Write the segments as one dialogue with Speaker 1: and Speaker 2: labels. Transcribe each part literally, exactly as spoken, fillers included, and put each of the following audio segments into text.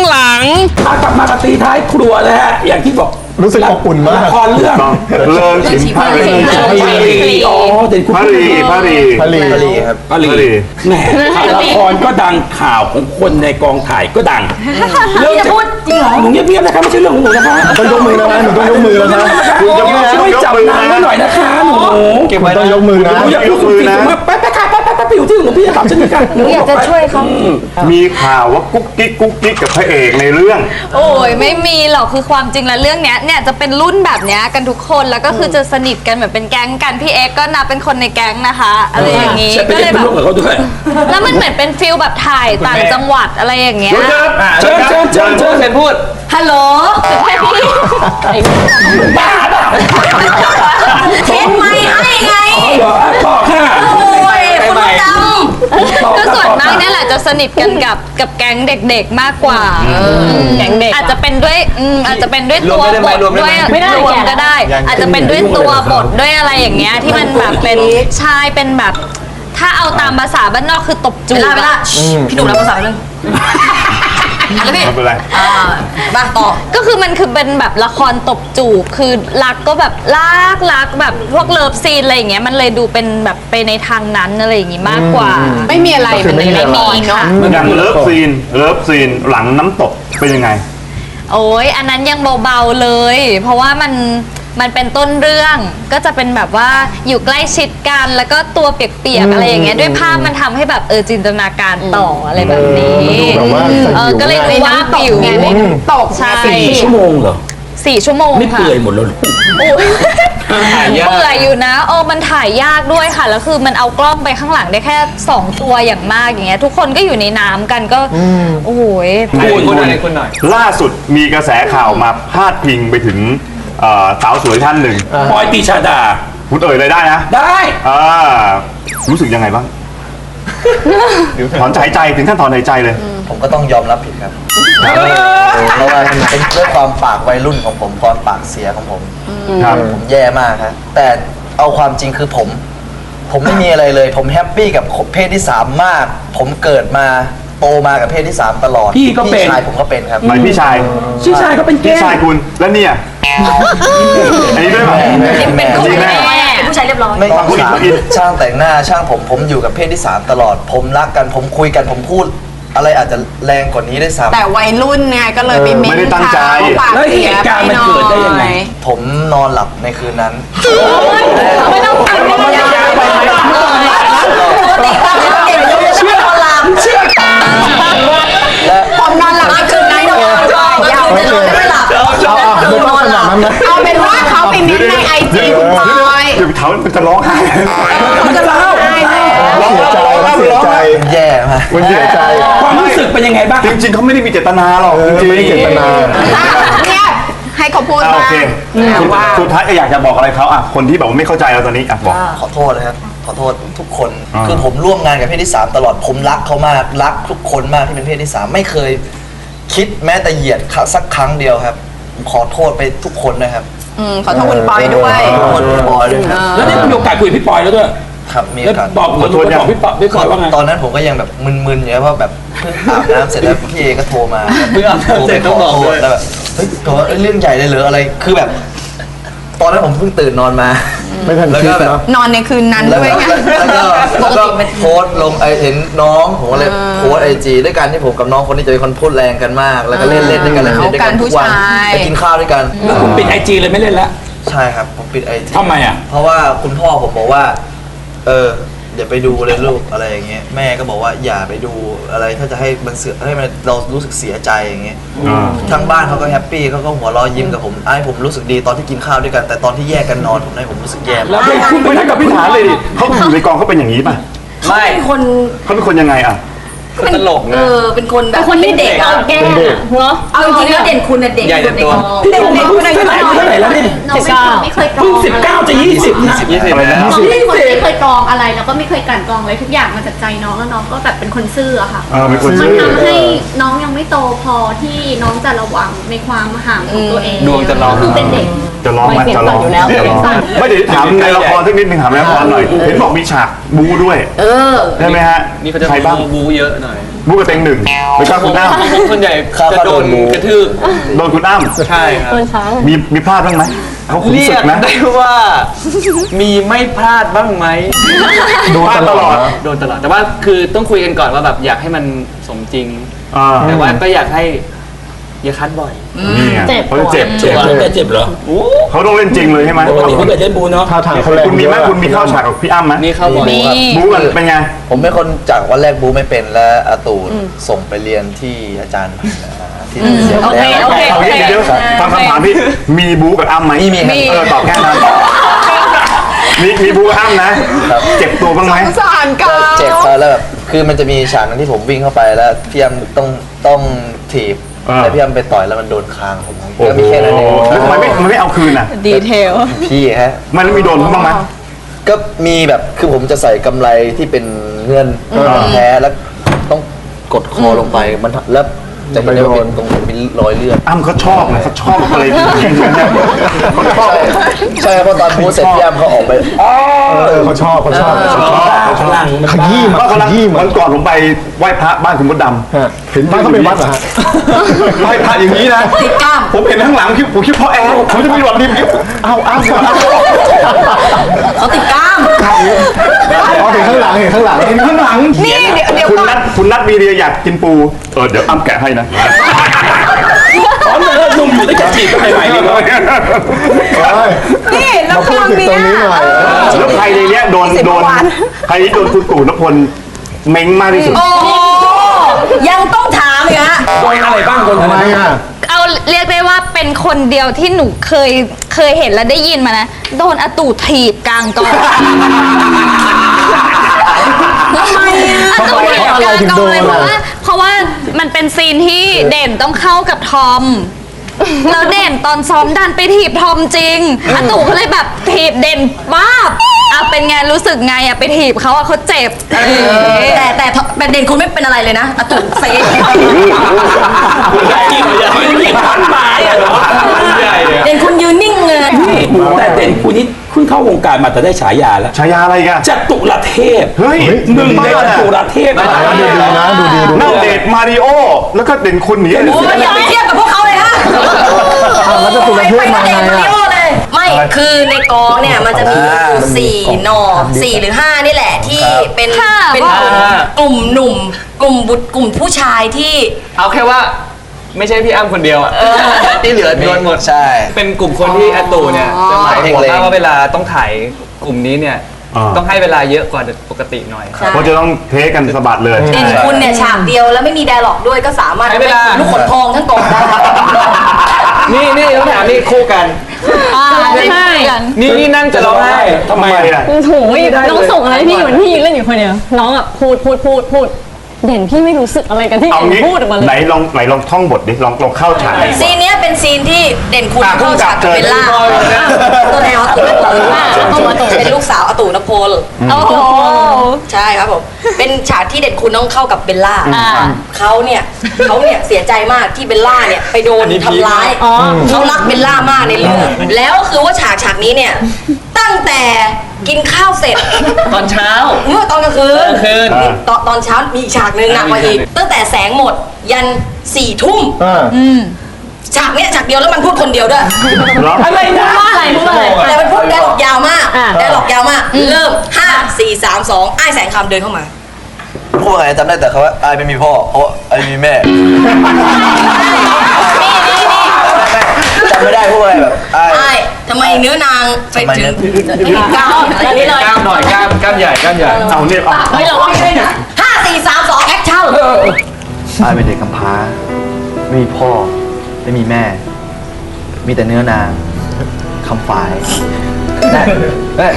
Speaker 1: หลังกลับมากับตีท้ายครัวนะฮะอย่างที่บอก
Speaker 2: รู้สึกอบอุ่นมาก
Speaker 1: ละครเรื่อง
Speaker 3: เลิงฉิมพารี
Speaker 1: อ๋อเด่นคุณ
Speaker 3: พารีพารี
Speaker 2: พารี
Speaker 3: ครับ
Speaker 1: พารีแหมละครก็ดังข่าวของคนในกองถ่ายก็ดัง
Speaker 4: เรื่องจะพูดจริงเหรอ
Speaker 1: หนูเงียบๆนะคะไม่ใช่เรื่องของหนูนะคะ
Speaker 2: ต้องยกมือนะหนูต้องยกมือแล้วนะ
Speaker 1: ช่วยจับนางหน่อยนะคะหนู
Speaker 2: เก็บไว้ต้องยกมือนะ
Speaker 1: หนูอยากยกมือนะไปไปค่ะไปไปไปอยู่ที่หนูพี่จะถามฉันนี่ค่ะ
Speaker 4: หนูอยากจะช่วยเขา
Speaker 3: มีข่าวว่ากุ๊กกิ๊กกุ๊กกิ๊กกับพระเอกในเรื่อง
Speaker 5: โอ้ยไม่มีหรอกคือความจริงแล้วเรื่องเนี้ยเนี่ยจะเป็นรุ่นแบบเนี้ยกันทุกคนแล้วก็คือจะสนิทกันเหมือนเป็นแก๊งกันพี่เอ็กก็นับเป็นคนในแก๊งนะคะอะไรอย่างงี้
Speaker 1: ก็เลยแบบ
Speaker 5: แล้วมันเหมือนเป็นฟิลแบบถ่ายต่างจังหวัดอะไรอย่างเงี้ย
Speaker 1: เชิญเชิญเชิญเชิญเชิญพูด
Speaker 5: ฮัลโหล
Speaker 1: บ้าเปล่า
Speaker 4: เช็ดไม่ให้ไง
Speaker 1: ต่อค่ะ
Speaker 4: โอ้ยคุณด
Speaker 5: ำคือส่วนมากเนี่ยแหละจะสนิทกันกับกับแก๊งเด็กๆมากกว่าแก๊งเด็กอาจจะเป็นด้วยอาจจะเป็นด้วยตัวบทด้วยไม่ได้รวมก็ได้อาจจะเป็นด้วยตัวบทด้วยอะไรอย่างเงี้ยที่มันแบบเป็นชายเป็นแบบถ้าเอาตามภาษาบ้านนอกคือตบจูบ
Speaker 4: ไปละพี่หนุ่มรับภาษาเรื่อง
Speaker 3: แล้วพี่ไม่เป็นไร
Speaker 4: บ้าต่อ
Speaker 5: ก็คือมันคือเป็นแบบละครตบจูบคือรักก็แบบรักรักแบบพวกเลิฟซีนอะไรอย่างเงี้ยมันเลยดูเป็นแบบไปในทางนั้นอะไรอย่างงี้มากกว่า
Speaker 4: ไม่มีอะไรมันไม่มีเนาะ
Speaker 3: อย่างเลิฟซีนเลิฟซีนหลังน้ำตกเป็นยังไง
Speaker 5: โอ้ยอันนั้นยังเบาๆเลยเพราะว่ามันมันเป็นต้นเรื่องก็จะเป็นแบบว่าอยู่ใกล้ชิดกันแล้วก็ตัวเปียกๆอะไรอย่างเงี้ยด้วยภาพมันทำให้แบบเออจินตนาการต่ออะไรแบบนี้เออก็เลยดูว่าปิว
Speaker 4: ตก
Speaker 5: ใช่
Speaker 1: สี่ชั่วโมงเหรอ
Speaker 5: สี่ชั่วโมง
Speaker 1: ไม่เปื่อยหมดแล้ว
Speaker 5: ถ่ายยากเปื่อยอยู่นะเออมันถ่ายยากด้วยค่ะแล้วคือมันเอากล้องไปข้างหลังได้แค่สองตัวอย่างมากอย่างเงี้ยทุกคนก็อยู่ในน้ำกันก็โอ้โห
Speaker 3: คุณหน่อยคุณหน่อยล่าสุดมีกระแสข่าวมาพาดพิงไปถึงสาวสวยท่านหนึ่ง
Speaker 1: ปอยตีชาดา
Speaker 3: พูดเอ่ยเลยได้นะ
Speaker 1: ได้
Speaker 3: อ่ารู้สึกยังไงบ้างถอนหายใจถึงขั้นถอนหายใจเลย
Speaker 6: ผมก็ต้องยอมรับผิดครับเพราะว่าเป็นเรื่องความปากวัยรุ่นของผมความปากเสียของผมครับผมแย่มากครับแต่เอาความจริงคือผมผมไม่มีอะไรเลยผมแฮปปี้กับเพศที่สามมากผมเกิดมาโตมากับเพศที่สามตลอด
Speaker 1: พี่ก็เป็น
Speaker 6: พี่ชายผมก็เป็นครับ
Speaker 3: หมายพี่ชาย
Speaker 1: พี่ชายก็เป็นเกย์
Speaker 3: พี่ชายคุณแล้วเนี่ยอันนี้ด้วยไหม
Speaker 5: เป็นคนแม่
Speaker 4: ผู้ชายเรียบร้อย
Speaker 6: ไม่ต้องสามช่างแต่งหน้าช่างผมผมอยู่กับเพศที่สามตลอดผมรักกันผมคุยกันผมพูดอะไรอาจจะแรงกว่านี้ได้ซ้ำ
Speaker 4: แต่วัยรุ่นไงก็เลยไปเม้น
Speaker 3: ไม่ได้ตั้งใจ
Speaker 1: แล้วเหตุการณ์มันเกิดได้ยังไง
Speaker 6: ผมนอนหลับในคืนนั้น
Speaker 4: ไม่ต้องทำไม่ต้องทำเชื่อนอนหลับเชื่อและผมนอนหลับในคืนนั้นนอนยาวจะนอนไม่หลับนอนหลับเอาเป็นว่าเขาไปเม้นในไอจีคุณพลอย
Speaker 3: เดี๋ยวเขาจะร้องไห้
Speaker 1: มันจะเล่า
Speaker 2: ร้องเสียใจเสียใจ
Speaker 6: แย่มาก
Speaker 2: มันเสียใจ
Speaker 1: ความรู้สึกเป็นยังไงบ้าง
Speaker 3: จริงๆเขาไม่ได้มีเจตนาหรอกจริงๆ
Speaker 2: ไม่ได้เจตนา
Speaker 4: เนี่ยให้เขาพูดมา
Speaker 3: สุดท้ายอยากจะบอกอะไรเขาอ่ะคนที่แบบไม่เข้าใจเราตอนนี้อ่ะบอก
Speaker 6: ขอโทษนะครับขอโทษทุกคนคือผมร่วมงานกับเพศที่สามตลอดผมรักเขามากรักทุกคนมากที่เป็นเพศที่สามไม่เคยคิดแม้แต่เหยียดสักครั้งเดียวครับขอโทษไปทุกคนนะครับ
Speaker 4: ขอโทษคุณปอยด้วย
Speaker 6: คุณปอยด้วยครับ
Speaker 1: แล้วได้มีโอกาสคุยพี่ปอยแล้วด้วย
Speaker 6: ครับมีโอกาส
Speaker 1: บอกขอโทษบอกพี่ปอยพี่ปอยว่าไง
Speaker 6: ตอนนั้นผมก็ยังแบบมึนๆอยู่เพราะแบบเพิ่งอาบน้ำเสร็จแล้วพี่เอก็โทรมา
Speaker 3: เพิ่งอาบน้ำเสร็จต้องบอกด้วย
Speaker 6: แล้วแบบเฮ้ยตัวเรื่องใหญ่เลยเหรออะไรคือแบบตอนนั้นผมเพิ่งตื่นนอนมา
Speaker 2: ไม่ทันคิดเนาะ
Speaker 4: นอนในคืนนั้นด้วยไง
Speaker 6: แล้วก็แล้วก็โพสลงไอเห็นน้องผมก็เลยโพสไอจีด้วยกันที่ผมกับน้องคนนี้จะเป็นคนพูดแรงกันมากแล้วก็เล่นเล่นด้วยกันเล่นด้วยกันทุกวันไปกินข้าวด้วยกัน
Speaker 1: แล้วผมปิดไอจีเลยไม่เล่นแล้ว
Speaker 6: ใช่ครับผมปิดไอจี
Speaker 1: ทำไมอ่ะ
Speaker 6: เพราะว่าคุณพ่อผมบอกว่าเอออย่าไปดูเลยลูกอะไรอย่างเงี้ยแม่ก็บอกว่าอย่าไปดูอะไรถ้าจะให้มันเสียให้มันเรารู้สึกเสียใจอย่างเงี้ยทั้งบ้านเขาก็แฮปปี้เขาก็หัวเราะยิ้มกับผมไอ้ผมรู้สึกดีตอนที่กินข้าวด้วยกันแต่ตอนที่แยกกันนอนผมให้ผมรู้สึกแย่
Speaker 1: แล้วไปคุณไปนั่งกับพี่ฐานเลยดิ
Speaker 3: เขาอยู่ในกองเขาเป็นอย่างนี้ป่ะ
Speaker 4: ไม่เป็นคน
Speaker 3: เขาเป็นคนยังไงอ่ะ
Speaker 4: ตลกเออเป็นคนแบบคนที่เด็กเอาแก้เนาะเอาจริงๆแล้วเด่นคุณน่ะเด็กในกอง
Speaker 1: พี่เด็กเด็กคุณอายุเท่าไหร่เท่าไหร่แล้วนี่
Speaker 7: สิบเก้าไม่เคยกรอง
Speaker 1: เพิ่งสิบเก้าจะยี่สิบนะ
Speaker 3: ยี่สิบอะไรนะ
Speaker 7: น้องเป็นคนไม่เคยกรองอะไรแล้วก็ไม่เคยกลั่นกรองอะไรทุกอย่างมาจากใจน้องแล้วน้องก็แบบเป็นคนซื่ออะค่ะมันทำให้น้องยังไม่โตพอที่น้องจะระวังในความห่างของตัวเอง
Speaker 3: ดวงจะร้อง
Speaker 7: คือเป็นเด็ก
Speaker 3: จะร้องไหมจะร้องไม่เดี๋ยวถามในละครสักนิดนึงถามในละครหน่อยเห็นบอกมีฉากบู๊ด้วย
Speaker 4: เออ
Speaker 3: ใช่ไหมฮะ
Speaker 8: นี่เขาจะบู๊เยอะหน่อย
Speaker 3: บูกับเต็งหนึ่งแล้วก็คุณอ้ำ
Speaker 8: ผมส่วนใหญ่จะโดนกระทืบ
Speaker 3: โดนคุณอ้ำ
Speaker 8: ใช่ครับ
Speaker 3: มีมีพลาดบ้างไหมเขาขุน
Speaker 8: เรี
Speaker 3: ศึ
Speaker 8: ย
Speaker 3: ก
Speaker 8: ก
Speaker 3: นะ
Speaker 8: ได้ว่ามีไม่พลาดบ้างไหม
Speaker 2: โดนตลอด
Speaker 8: โดนตลอดแต่ว่าคือต้องคุยกันก่อนว่าแบบอยากให้มันสมจริง
Speaker 3: อ่า
Speaker 8: แต่ว่าก็อยากให้อย่าคัดบ่อย
Speaker 3: นี่ไงเขาจะเจ็บ
Speaker 1: เจ็บแล้วแต่เจ็บเหรอ
Speaker 3: เขาต้องเล่นจริงเลยใช่ไหม
Speaker 1: ปกติเขาเคยเล่นบูเนาะ
Speaker 2: ท่าทางเขาแรง
Speaker 3: คุณมีไหมคุณมีเข้าฉากกับพี่อ้ำไหม
Speaker 8: นี่เข้าบ่อย
Speaker 5: มี
Speaker 3: บูกันเป็นไง
Speaker 6: ผมเป็นคนจากวันแรกบูไม่เป็นและอาตูส่งไปเรียนที่อาจารย์ที่เสียง
Speaker 5: โอเค
Speaker 6: แล้ว
Speaker 5: โอเค
Speaker 3: เอางี้เดี๋ยวฟังคำถามพี่มีบูกับอ้ำไหม
Speaker 6: มีมีครับ
Speaker 3: เออตอบแค่นั้นมีมีบูกับอ้ำนะ เจ็บตัวบ้างไหม
Speaker 4: สารกั
Speaker 6: ก็
Speaker 4: น
Speaker 6: เจ็บครับแล้วแบบคือมันจะมีฉากนั้นที่ผมวิ่งเข้าไปแล้วพี่ยำต้องต้องถีบ
Speaker 3: อ่า
Speaker 6: แต่พี่ยำไปต่อยแล้วมันโดนคางผม
Speaker 3: โอ้
Speaker 6: ก็
Speaker 3: โห
Speaker 6: มีแค่นั้นเอง
Speaker 3: แล้วทำไมไม่มันไม่เอาคืนอ่ะ
Speaker 5: ดีเทล
Speaker 6: พี่ฮะ
Speaker 3: มันไม่มีโดนบ้างไหม
Speaker 6: ก็มีแบบคือผมจะใส่กำไรที่เป็นเงินแท้แล้วต้องกดคอลงไปมันแล้วจะเห็นได้ว่าเป็นตรงเป็นรอยเลือด
Speaker 3: อ้ำเขาชอบนะเขาชอบอะไรยิงๆเนี่ยเขาชอบ
Speaker 6: ใช่เพราะตอนพูดเสร็จพี่ยำเขาออกไปอ๋อ
Speaker 2: เออเขาชอบเขาชอบเขาชอบ
Speaker 1: พลัง
Speaker 2: ขยี้มา
Speaker 3: ก็กำลั
Speaker 2: ข
Speaker 3: ง
Speaker 2: ยี้มา
Speaker 3: วันก่อนผมไปไหว้พระบ้านคุณมดดำ
Speaker 2: ฮะเห็นบ้านเขาเป็นวัดเหรอฮะ
Speaker 3: ไหว้พระอย่างนี้นะ
Speaker 4: ติดกล้าม
Speaker 3: ผมเห็นข้างหลังคิดผมคิดเพราะแอร์ผมจะไปหวัดดีเอาอ้าวเอา
Speaker 4: เขาติดกล้าม
Speaker 2: อ๋อเห็นข้างหลังเห็นข้างหลัง
Speaker 3: เห็นข้างหลัง
Speaker 4: นี่เดี๋ยวเดี๋ยว
Speaker 3: คุณ
Speaker 4: ก่อน
Speaker 3: นัดคุณนัดวีเดียอยากกินปูเออเดี๋ยวอ้ำแกะให้นะ
Speaker 1: อ๋อเออหนุ่มอยู่ตั้งแต่จีบกันใหม่ๆเลยเนาะ
Speaker 4: นี่แล้ว
Speaker 2: มาพู
Speaker 4: ค
Speaker 2: ด
Speaker 4: รั้ง
Speaker 2: ถึง
Speaker 4: เนี้
Speaker 2: ตรงนี้หน่อย
Speaker 3: แล้วใครในเนี้ยโดนโดนใครที่โดนคุณตู่นพลเม้งมากที่สุด
Speaker 4: โอ้โหยังต้องถามอีกฮะ
Speaker 1: โดนอะไรบ้างโดน
Speaker 2: ทำ
Speaker 1: อะไร
Speaker 2: ไม
Speaker 1: บ้าง
Speaker 2: อ่ะ
Speaker 5: เอาเรียกได้ว่าเป็นคนเดียวที่หนูเคยเคยเห็นและได้ยินมานะ โดนอาตู่ถีบกลางกองทำไมอ่ะอาตู่ถีบกลางกองเลยเพราะว่าเพราะว่ามันเป็นซีนที่เด่นต้องเข้ากับทอมแล้วเด่นตอนซ้อมดันไปถีบทอมจริงอาตู่ก็เลยแบบถีบเด่นบ้าบอ่ะเป็นไงรู้สึกไงอ่ะไปถีบเขาอ่ะเขาเจ็บอะไรอย่างเงี้ย
Speaker 4: แต่แต่แต่เด่นคุณไม่เป็นอะไรเลยนะอาตุเซ
Speaker 1: ใหญ่ใหญ่พันไม้อะเหรอ
Speaker 4: เด่นคุณยืนนิ่งเลย
Speaker 1: แต่เด่นคุณนี่เพิ่งเข้าวงการมาแต่ได้ฉายาแล้ว
Speaker 3: ฉายาอะไรกัน
Speaker 1: จตุรเทพ
Speaker 3: เฮ้ย
Speaker 1: หนึ่งในจตุรเทพนะ
Speaker 2: ดูดีนะดูดีดู
Speaker 3: นั่
Speaker 2: ดี
Speaker 3: งเดทมาริโอแล้วก็เด่นคุณหนีเลย
Speaker 4: โอ้ยอย่าไปเทียบกับพวกเขาเลยฮะ
Speaker 2: แล้วจะตุลเทพมาไง
Speaker 4: ไป
Speaker 2: อ่ะ
Speaker 4: โอเลย ไม่คือในกองเนี่ยมันจะมีอยู่สี่หนอสี่หรือห้านี่แหละที่เป็น
Speaker 5: ค่ะ
Speaker 4: เป็นกลุ่มหนุ่ม กลุ่มบุตรกลุ่มผู้ชายที่
Speaker 8: เอาแค่ว่าไม่ใช่พี่อ้ำคนเดียวอ่ะที่เหลือโดนหมด
Speaker 6: ใช่
Speaker 8: เป็นกลุ่มคนที่อาตู่เนี่ยจะหมายห่วง
Speaker 6: เล็ง
Speaker 8: มากว่าเวลาต้องถ่ายกลุ่มนี้เนี่ยต้องให้เวลาเยอะกว่าปกติหน่อย
Speaker 3: เพราะจะต้องเทคกันสะบัดเลย
Speaker 4: เด่นคุณเนี่ยฉากเดียวแล้วไม่มีไดร์ล็อกด้วยก็สามารถ
Speaker 8: ใช้เวลา
Speaker 4: ลูกขนทองทั้งกองได้
Speaker 8: นี่นี่ต้องถามนี่คู่กัน
Speaker 5: อ่าใช่กัน
Speaker 8: นี่นี่นั่งจะร้องไห้
Speaker 1: ทำไมอ่ะ
Speaker 9: โอ้โหน้องส่งอะไรพี่เหมือนพี่ยืนเล่นอยู่คนเดียวน้องอ่ะพูดพูดพูดพูดเด่นพี่ไม่รู้สึกอะไรกันที่
Speaker 3: เอา
Speaker 9: เด่น
Speaker 3: งี้
Speaker 9: พูดออกมาเลย
Speaker 3: ไหนลองไหนลองท่องบทดิลองลองเข้าฉากดิ
Speaker 4: ซีนเนี้ยเป็นซีนที่เด่นคุณ
Speaker 3: อ่ะ
Speaker 4: เข้าฉากกับเบลล่า
Speaker 3: ผู้กำกับเจอ
Speaker 4: ตัวแทนอาตู่นพลเป็นลูกสาวอาตู่นพล
Speaker 5: โอ้โห
Speaker 4: ใช่ครับผมเป็นฉากที่เด่นคุณต้องเข้ากับเบลล่า
Speaker 5: อ่า
Speaker 4: เขาเนี่ยเขาเนี่ยเสียใจมากที่เบลล่าเนี่ยไปโดนทำร้ายเขารักเบลล่ามากในเรื่องแล้วคือว่าฉากฉากนี้เนี่ยตั้งแต่กินข้าวเสร็จ
Speaker 8: ตอนเช้า
Speaker 4: เมื่อตอนกลางคืน
Speaker 8: กลางคืน
Speaker 4: นี่ตอนตอนเช้ามีอีกฉากหนึ่งหนักกว่าอีก ตั้งแต่แสงหมดยันสี่ทุ่ม
Speaker 2: อ่า
Speaker 4: ฉากเนี้ยฉากเดียวแล้วมันพูดคนเดียวด้วย
Speaker 3: เหรอ
Speaker 1: อะไรนะ
Speaker 9: ว่าอะไรพูดอะไร
Speaker 4: แต่มันพูดได้หลอกยาวมาก
Speaker 9: อ่า
Speaker 4: ได้หลอกยาวมาก เริ่มห้าสี่สามสองอ้ายแสงคำเดินเข้ามา
Speaker 6: พูดว่าไงจำได้แต่เขาว่าอายไม่มีพ่อเพราะอายมีแม่จำไม่ได้พูดว่าอะไรแบบอาย
Speaker 4: อ้ายทำไมเนื้อนางไปถึง
Speaker 6: ทำไมเนื้อ
Speaker 4: เก้าอันนี้เลย
Speaker 8: กล้ามหน่อยกล้ามกล้ามใหญ่กล้ามใหญ่
Speaker 3: เอาเนี่ยเอา
Speaker 4: เฮ้ยเราว่าไม่ได้นะห้าสี่สามสองแอคชั่น
Speaker 6: อายเป็นเด็กกำพร้าไม่มีพ่อไม่มีแม่ มีแต่เนื้อนางคำฝายเอ้ย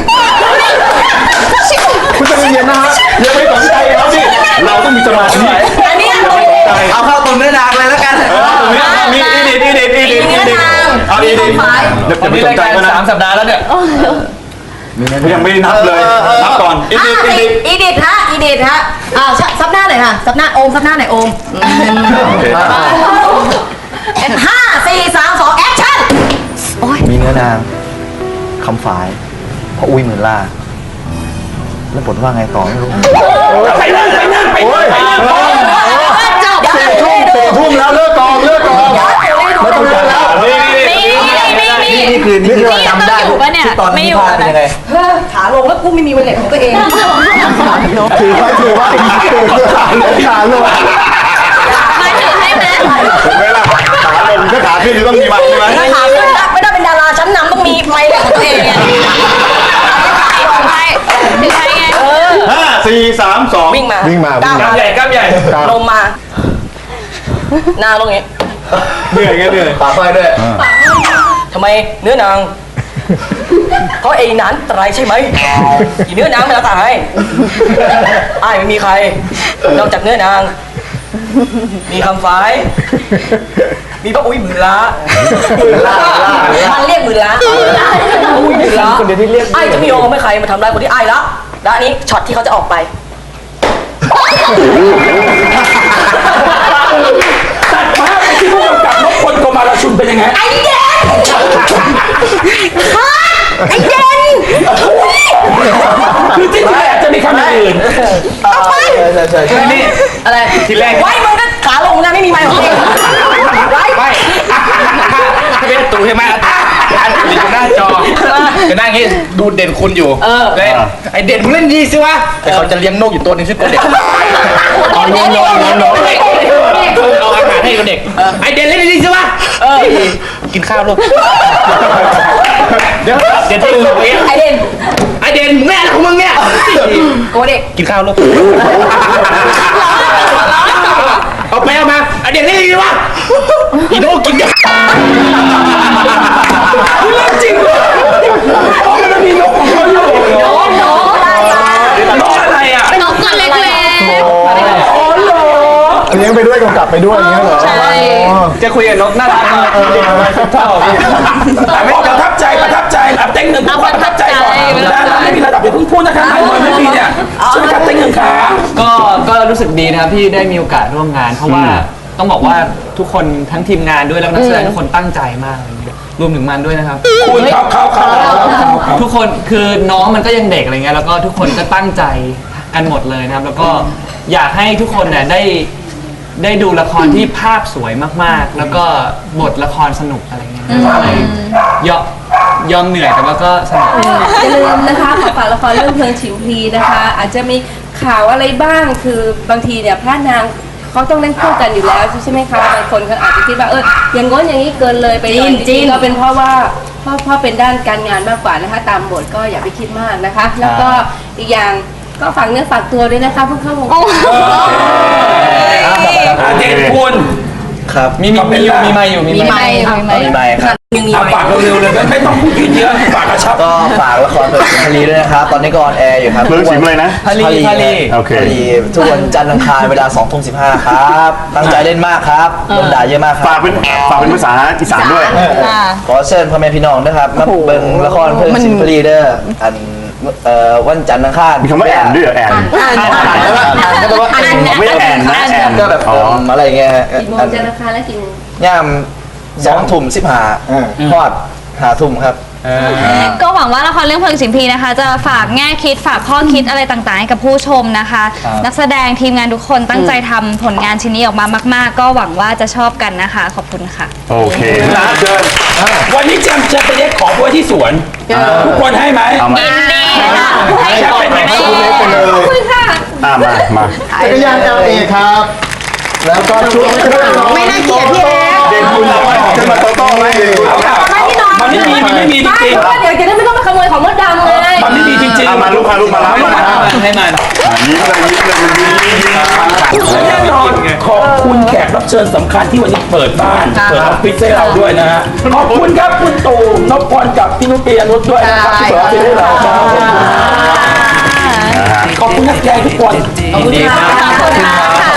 Speaker 2: คุณจะเย็นๆนะฮะอย่าไปสนใจเขาดิเราต้องมีสมาธิ
Speaker 4: อันนี้เรา
Speaker 6: เอาเข้าตรงเนื้อนางเลยแล้วกัน
Speaker 3: มีอีดิทอีดิทอีดิทอีดิทเอาอีดิทเดี๋ยว
Speaker 8: ผม
Speaker 3: ไป
Speaker 8: มี
Speaker 3: ส
Speaker 8: ราน ย
Speaker 3: ใจ
Speaker 8: การ
Speaker 3: เขานะ
Speaker 8: สามสัปดาห์แล้วเนี่ย
Speaker 3: ยังไม่ได้นับเลยนับก่อนอี
Speaker 4: อ่ะ
Speaker 3: ดิทอี
Speaker 4: อี
Speaker 3: ดิท
Speaker 4: อีดิทฮะอีดิทฮะอ้าวซับหน้าหน่อยค่ะซับหน้าโอมซับหน้าหน่อยโอม
Speaker 3: โอเค
Speaker 4: ห้าสี่สามสองแอคชั่น
Speaker 6: มีเนื้อนางคำฝายพออุ้ยหมื่นล่า แล้วบทว่าไงต่อไม่รู้
Speaker 1: ไปนั่งไปนั่งไปนั่งไปนั่ง
Speaker 3: สี่ทุ่มสี่ทุ่มแล้วเลิกกองเลิกกองไม่ต้องเลิกแล้วนี่นี่
Speaker 5: นี่นี่นี่
Speaker 6: นี่คือนี่คือ
Speaker 5: นี่
Speaker 6: จำได้
Speaker 5: ต้องอยู่ปะเนี่ย
Speaker 6: ที่ตอน
Speaker 5: ไม่
Speaker 6: นี้
Speaker 5: อยู่
Speaker 6: พาเป็นยังไง
Speaker 4: ขาลงแล้วกูไม่มีวันเล็กของตัวเอง
Speaker 2: ถือไว้ถือไว้ถือขาลงขาลง
Speaker 5: มาถือให้ไหม
Speaker 3: ถึงเวลาขาลงก็ขาขึ้นต้องมีมันใช่ไหม
Speaker 4: ถ้าขาขึ้นนะไม่ได้เป็นดาราชั้นนำต้องมีไมค์ของตัวเองไง
Speaker 5: ถือให้ถือให้ไง
Speaker 3: ห้าสี่สามสอง
Speaker 4: วิ่งมา
Speaker 2: วิ่งมาวิ่ง
Speaker 4: ก้าว
Speaker 2: มา
Speaker 4: มา
Speaker 8: ใหญ่กล้ามใหญ่
Speaker 4: ลงมาหน้าตรงนี้
Speaker 3: เหนื่อยไงเหนื่อย
Speaker 6: ปากไฟด้วย
Speaker 4: ทำไมเนื้อนางเขาไอ้นั้นตรายใช่ไหมอีเนื้อนางไม่ละตายอ้ายไม่มีใครนอกจากเนื้อนาง มีคำฟ้าย มีพระอุ้ยหมื่นล้ามันเรียกหมื่นล้าอุ้ยหมื่นล้าคนเดียวที่เรียกไอ้จะไม่ยอมให้ใครมาทำร้ายคนที่ไอ้ละและอันนี้ช็อตที่เขาจะออกไป
Speaker 1: ตัดภาพไปที่ผู้กำกับนพพลโกมาลชุนเป็นยังไง
Speaker 4: ไอ้เด่นไอ้เด่น
Speaker 1: คือที่แรกจะมีคำอื่น
Speaker 6: ใช่ใช่ใช่ใช่
Speaker 8: นี่
Speaker 4: อะไร
Speaker 8: ทีแรก
Speaker 4: ไว้มึงก็ขาลงนะไม่มีไม้ของเองไว้
Speaker 8: ไม่ถ้าเป็นตูใช่ไหมอันอยู่หน้าจอจะนั่งอย่างนี้ดูเด่นคุณอยู่เลยไอเด่นมึงเล่นดีสิวะแต่เขาจะเลี้ยงนกอยู่ตัวนึงชื่อตัวเด็กเอานกนกนกเอาอาหารให้ตัวเด็กไอเด่นเล่นดีสิวะกินข้าวลูกเดี๋ยวเด่นที่มึงเอง
Speaker 4: ไอเด่น
Speaker 8: ไอเด่นมึงแม่ของมึงเนี่ย
Speaker 4: โกเด็ก
Speaker 8: กินข้าวลูกเอาไปเอามาไอเด่นเล่นดีวะอีโน่กินกัน
Speaker 1: เรื่องจริงเลยอ๋อมันมีนกของเขาอยู่นกนกนกอะไรอ่ะ
Speaker 5: นกตัวเล็ก
Speaker 1: อ๋อเหรอ
Speaker 2: เลี้ยงไปด้วยกำกับไปด้วยอย่างเงี้ยเหรอ
Speaker 5: ๆใช่
Speaker 8: จะคุยกับนกน่ารักมาก
Speaker 2: ชอบพี่
Speaker 1: แต่พอประทับใจประทับใจอ่ะเต็งหนึ่งพูดประทับใจก่อนนะไม่มีระดับอย่าเพิ่งพูดนะคะนายมวยไม่มีเนี่ยใช่ไหมครับเต็งหนึ่งขา
Speaker 8: ก็ก็รู้สึกดีนะครับที่ได้มีโอกาสร่วมงาน เพราะว่าต้องบอกว่าทุกคนทั้งทีมงานด้วยแล้วก็นักแสดงทุกคนตั้งใจมากอะไรเงี้ยรวมถึงมันด้วยนะครับ
Speaker 1: คุณเขาเขาเขาเขาเขา
Speaker 8: ทุกคนคือน้องมันก็ยังเด็กอะไรเงี้ยแล้วก็ทุกคนก็ตั้งใจกันหมดเลยนะครับ แล้วก็อยากให้ทุกคนเนี่ยได้ได้ดูละครที่ภาพสวยมากๆ แล้วก็บทละครสนุกอะไรเงี้ยก็เลยยอมยอมเหนื่อยแต่ว่าก็สนุก
Speaker 10: อย่าลืมนะคะขอฝากละครเรื่องเพลิงฉิวพลีนะคะ อาจจะมีข่าวอะไรบ้างคือบางทีเนี่ยพระนางเขาต้องเล่นคู่กันอยู่แล้วใช่ไหมคะบางคนเขาอาจจะคิดว่าเอออย่างง้นอย่างนี้เกินเลยไปหน่อยจริงๆก็เป็นเพราะว่าเพราะเพราะเป็นด้านการงานมากกว่านะคะ ตามบทก็อย่าไปคิดมากนะคะ แล้วก็อีกอย่างก็ฝากเนื้อฝากตัวด้วยนะคะเพิ่งเข้าวงการ
Speaker 1: อ่ะเด่นคุณ
Speaker 6: ครับ
Speaker 8: มีมีมีอยู่มีไมค์อยู่มี
Speaker 4: มี
Speaker 8: ไม
Speaker 4: ไม้
Speaker 8: ค์
Speaker 6: มีไมค์ครับ
Speaker 4: ยังมี
Speaker 1: เอา
Speaker 4: ไม้
Speaker 1: ฝากเร็วๆเลยไม่ต้องพูดเยอะฝากกระชับ
Speaker 6: ก็ฝากละครเพลิงศรีพลีด้วยนะครับ ตอนนี้ก็ออนแอร์อยู่ครับ
Speaker 3: เพลิงศรีอะไรนะ
Speaker 8: พาลีพาลี
Speaker 3: โอเค
Speaker 6: พลีทุกวันจันทร์อังคารเวลาสองทุ่มสิบห้าครับ ตั้งใจเล่นมากครับโดนด่าเยอะมากค
Speaker 3: ฝา
Speaker 6: รั
Speaker 3: ก
Speaker 6: บ
Speaker 3: เป็นฝากเป็นภาษาอีสานด้วย
Speaker 5: ค่ะ
Speaker 6: ขอเชิญพ่อแม่พี่น้องนะครับมาเบิ่งละครเพลิงศรีพลีเด้ออันเอ่อวันจันทร์อังคาร
Speaker 3: มีคำว่าแอนด้วยเหรอแอน
Speaker 6: อ่านอ่านแล้วอ่านก็แปลว่า
Speaker 5: อัน
Speaker 3: ไม่แอนนะแอน
Speaker 6: ก็แบบเอิ่มอะไรเงี้ยฮะ
Speaker 10: กี่โมงจะราคาและกี่โมง
Speaker 6: ย่ามสองทุ่มสิบห้าทอดหาทุ่มครับ
Speaker 5: ก็หวังว่าละครเรื่องเพลิงสิมพีนะคะ จะฝากแง่คิดฝากข้อคิดอะไรต่างๆให้กับผู้ชมนะคะ นักแสดงทีมงานทุกคนตั้งใจทำผลงานชิ้นนี้ออกมามาก ๆ ก็หวังว่าจะชอบกันนะคะ ขอบคุณค่ะ
Speaker 3: โอเคนะเชิญ
Speaker 1: วันนี้แจมจะไปเรียกของไว้ที่สวนทุกคนให้ไหม
Speaker 3: เอามา
Speaker 5: ยินดีค่ะให้
Speaker 1: แจม
Speaker 5: ของ
Speaker 1: เป็น
Speaker 5: ไม่
Speaker 1: ไหม
Speaker 2: ไปเลย
Speaker 10: ขอบคุณค่ะ
Speaker 3: อ่ามามา
Speaker 2: จักรยาน แอล เอ ครับ แล้วก็ชุดเครื่องนอน
Speaker 4: ไม่น่าเกลียดพี่เอ๊ะ
Speaker 3: เด่นคุณเอาไว้ขึ้นมาโตโต้ไหม
Speaker 1: มันไม่มีมันไม่มีจ
Speaker 10: ไม่
Speaker 1: ริง
Speaker 10: เพราะว่าเดี๋ยวจะได้ไม่ต้องไปขโมยของมดดำเลย
Speaker 1: ๆมันไม่มีจริง
Speaker 3: อ่ะ
Speaker 1: ๆ
Speaker 3: มาลูกมาลูกมารับมา
Speaker 8: ให้มัน
Speaker 3: ยิ้มเลยยิ้มเลยมันยิ้มยิ้มยิ้ม
Speaker 1: และแน่นอนขอบคุณแขกรับเชิญสำคัญที่วันนี้เปิดบ้าน เปิดออฟฟิศให้เราด้วยนะฮะขอบคุณครับคุณตู่นพพรกับพี่นุชเปียนุชด้วยนะครับที่เปิดออฟฟิศให้เราครับขอบคุณนักแสดงทุกคน
Speaker 8: ดีมาก
Speaker 5: ขอบคุณมากค่ะ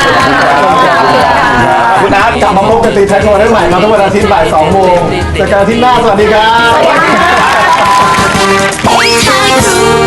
Speaker 2: คุณอาร์ตกลับมาพบกันตีแท็กโนได้ใหม่มาทุกวันอาทิตย์บ่ายสองโมงเจอกันอาทิตย์หน้าสวัสดีครับ
Speaker 5: Hey,